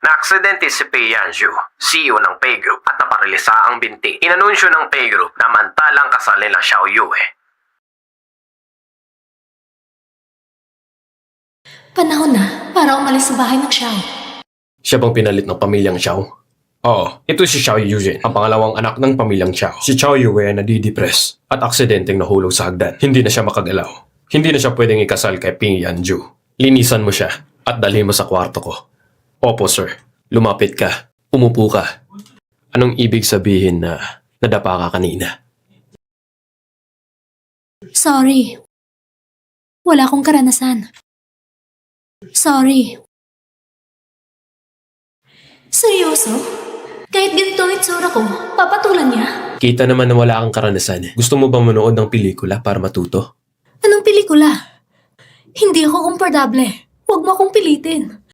Na-aksidente si Pei Yanju, CEO ng Pei Group at naparilisa ang binti. Inanunsyo ng Pei Group na mantalang kasal nila Xiao Yue. Panahon na para umalis sa bahay ng Xiao. Siya bang pinalit ng pamilyang Xiao? Oo, ito si Xiao Yujin, ang pangalawang anak ng pamilyang Xiao. Si Xiao Yue ay nadidepress at aksidenteng nahulog sa hagdan. Hindi na siya makagalaw. Hindi na siya pwedeng ikasal kay Ping Yanju. Linisan mo siya at dalhin mo sa kwarto ko. Opo, sir. Lumapit ka. Umupo ka. Anong ibig sabihin na nadapa ka kanina? Sorry. Wala akong karanasan. Sorry. Seryoso? Kahit ganito ang itsura ko, papatulan niya? Kita naman na wala kang karanasan. Gusto mo ba manood ng pelikula para matuto? Anong pelikula? Hindi ako komportable. Huwag mo akong pilitin.